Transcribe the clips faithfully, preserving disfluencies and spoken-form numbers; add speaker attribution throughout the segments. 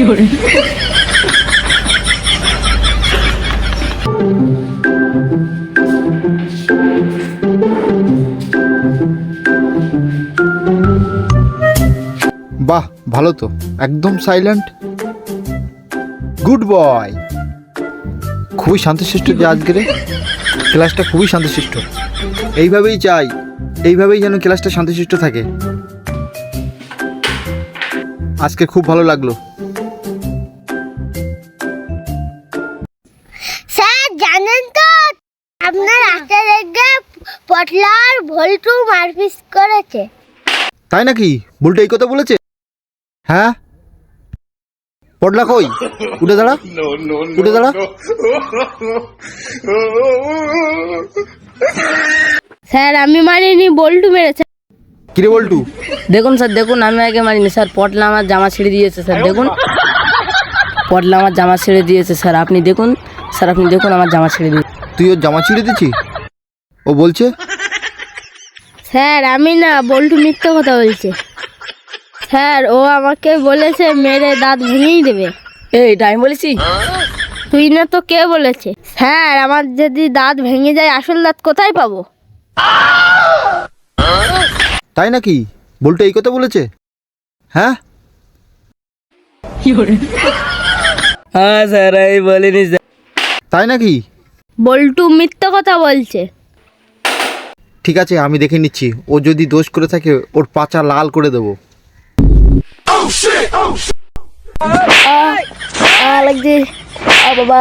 Speaker 1: বাহ, ভালো তো, একদম সাইলেন্ট। Good boy. খুবই শান্তশিষ্ট যে আজকের ক্লাসটা, খুবই শান্তশিষ্ট। এইভাবেই চাই, এইভাবেই যেন ক্লাসটা শান্তশিষ্ট থাকে। আজকে খুব ভালো লাগলো।
Speaker 2: স্যার জানেন তো, আপনার রাস্তা দেখে পটলার ভল্টু মারপিট করেছে।
Speaker 1: তাই নাকি? ভুলটা এই কথা বলেছে? হ্যাঁ, পটলা কই? উঠে দাঁড়া, উঠে দাঁড়া।
Speaker 2: স্যার আমি মারিনি, বল্টু মেরেছে।
Speaker 1: কিরে বল্টু?
Speaker 3: দেখুন স্যার, দেখুন আমি আগে মারিনি স্যার, পটলা আমার জামা ছেড়ে দিয়েছে স্যার। দেখুন, পটলা আমার জামা ছেড়ে দিয়েছে স্যার। আপনি দেখুন স্যার, আপনি দেখুন আমার জামা ছেড়ে দিয়েছে।
Speaker 1: তুই ওর জামা ছিঁড়ে দিচ্ছি? ও বলছে
Speaker 2: স্যার আমি না, বল্টু মিথ্যে কথা বলছে। স্যার ও আমাকে বলেছে মেরে দাঁত ভেঙেই দেবে।
Speaker 3: এই এটা আমি বলেছি?
Speaker 2: তুই না তো, কে বলেছে? স্যার আমার যদি দাঁত ভেঙে যায়, আসল দাঁত কোথায় পাবো?
Speaker 1: তাই নাকি? বল্টু এই কথা বলেছে? হ্যাঁ
Speaker 3: হ্যাঁ স্যার, আমি বলিনি স্যার।
Speaker 1: তাই নাকি?
Speaker 2: বল্টু মিথ্যে কথা বলছে।
Speaker 1: ঠিক আছে, আমি দেখে নিচ্ছি। ও যদি দোষ করে থাকে, ওর পাচা লাল করে দেবো।
Speaker 3: লাগছে বাবা।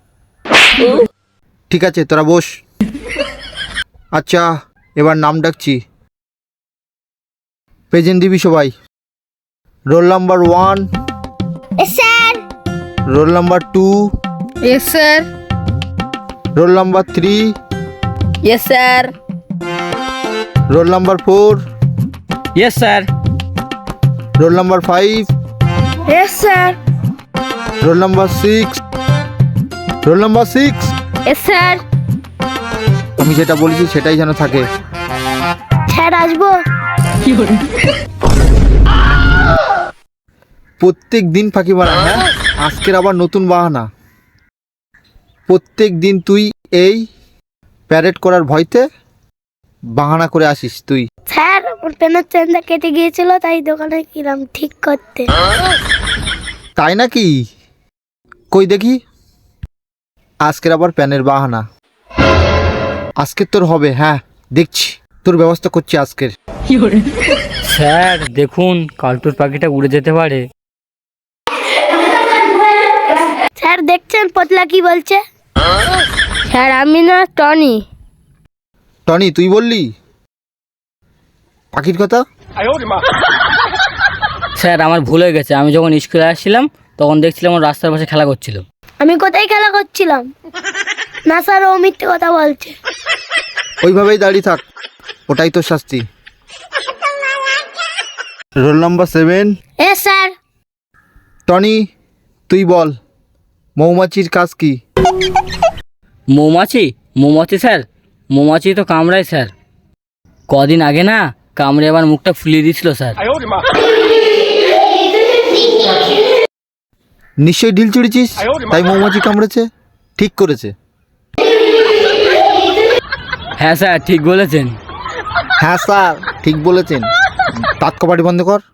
Speaker 1: ঠিক আছে, তোরা বস। আচ্ছা, এবার নাম ডাকছি। প্রেজেন্ট দিবি সবাই। Roll number one,
Speaker 2: sir.
Speaker 1: Roll number two,
Speaker 2: yes sir.
Speaker 1: Roll number three,
Speaker 3: yes sir.
Speaker 1: Roll number four,
Speaker 3: yes sir.
Speaker 1: Roll number five,
Speaker 2: yes sir.
Speaker 1: Roll number six, roll number six.
Speaker 2: Yes sir.
Speaker 1: আমি যেটা বলেছি সেটাই যেন থাকে।
Speaker 2: Sir আসবো?
Speaker 1: প্রত্যেক দিন ফাঁকি মারা? হ্যাঁ, আজকের আবার নতুন বাহানা। প্রত্যেক দিন তুই এই প্যারেড করার ভয়তে বাহানা করে আসিস তুই।
Speaker 2: স্যার ওর পেনের চেনটা কেটে গিয়েছিল, তাই দোকানে কিলাম ঠিক করতে।
Speaker 1: তাই নাকি? কই দেখি। আজকের আবার প্যানের বাহানা। আজকের তোর হবে। হ্যাঁ দেখছি, তোর ব্যবস্থা করছি আজকের।
Speaker 3: স্যার দেখুন, কালটুর পাখিটা উড়ে যেতে পারে।
Speaker 2: স্যার দেখছেন পতলা কি বলছে? স্যার আমি না, টনি।
Speaker 1: টনি তুই বললি পাখির কথা?
Speaker 3: স্যার আমার ভুল হয়ে গেছে। আমি যখন স্কুলে আসছিলাম তখন দেখছিলাম ওর রাস্তার পাশে খেলা করছিল।
Speaker 2: আমি কোথায় খেলা করছিলাম? না স্যার, ও মিথ্যে কথা বলছে।
Speaker 1: ওইভাবেই দাঁড়িয়ে থাক, ওটাই তোর শাস্তি। Roll number seven.
Speaker 2: এ স্যার।
Speaker 1: টনি তুই বল, মৌমাছির কাজ কি?
Speaker 3: মৌমাছি? মৌমাছি স্যার, মৌমাছি তো কামড়ায় স্যার। কদিন আগে না কামড়ে আবার মুখটা ফুলিয়ে দিয়েছিল স্যার।
Speaker 1: নিশ্চয়ই ঢিল চুড়েছিস, তাই মৌমাছি কামড়েছে। ঠিক করেছে।
Speaker 3: হ্যাঁ স্যার ঠিক বলেছেন।
Speaker 1: হ্যাঁ স্যার ঠিক বলেছেন। দাঁত কপাটি বন্ধ কর।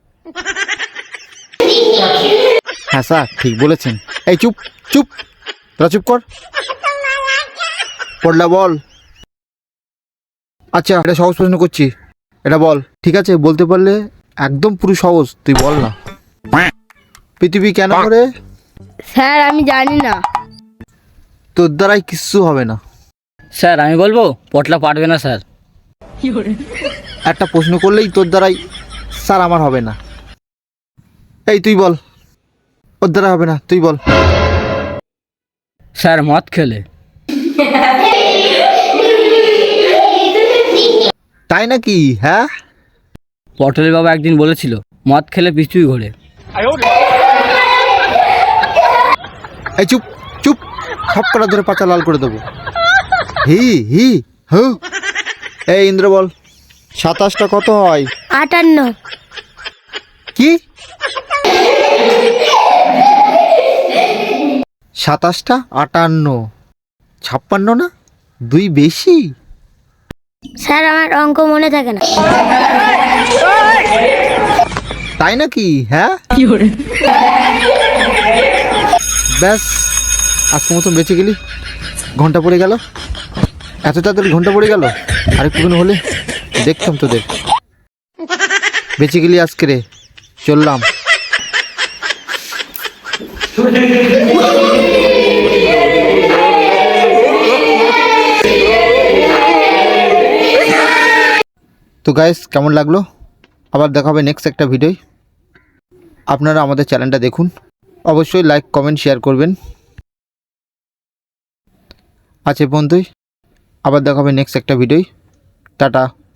Speaker 1: হ্যাঁ স্যার ঠিক বলেছেন। এই চুপ চুপ, তোরা চুপ কর। পড়লা বল। আচ্ছা, এটা সহজ প্রশ্ন করছি, এটা বল। ঠিক আছে, বলতে পারলে একদম পুরো সহজ, তুই বল না। পৃথিবী কেন ঘোরে?
Speaker 2: স্যার আমি জানি না।
Speaker 1: তোর দ্বারাই কিচ্ছু হবে না।
Speaker 3: স্যার আমি বলবো? পটলা পারবে না স্যার।
Speaker 1: একটা প্রশ্ন করলেই তোর দ্বারাই। স্যার আমার হবে না। এই তুই বল। ওর দ্বারা হবে না, তুই বল।
Speaker 3: স্যার মদ খেলে।
Speaker 1: তাই নাকি? হ্যাঁ,
Speaker 3: পটলের বাবা একদিন বলেছিল মদ খেলে পৃথিবী ঘোরে।
Speaker 1: এই চুপ চুপ, সব কটা ধরে পাচা লাল করে দেবো। হি হি হু। এই ইন্দ্র বল, সাতাশটা কত হয়?
Speaker 2: আটান্ন।
Speaker 1: কি? সাতাশটা আটান্ন, ছাপ্পান্ন না, দুই বেশি।
Speaker 2: স্যার আমার অঙ্ক মনে থাকে না।
Speaker 1: তাই নাকি? হ্যাঁ, ব্যাস আজকের মতন বেঁচে গেলি। ঘন্টা পড়ে গেল, এত তাড়াতাড়ি ঘন্টা পড়ে গেল। আরেকটুখানি হলে দেখতাম তোদের। বেঁচে গেলি আজকে রে, চললাম। তো গাইস, কেমন লাগলো? আবার দেখা হবে নেক্সট একটা ভিডিও। আপনারা আমাদের চ্যানেলটা দেখুন, অবশ্যই লাইক কমেন্ট শেয়ার করবেন। আজ এ পর্যন্তই, আবার দেখা হবে নেক্সট একটা ভিডিও। টাটা।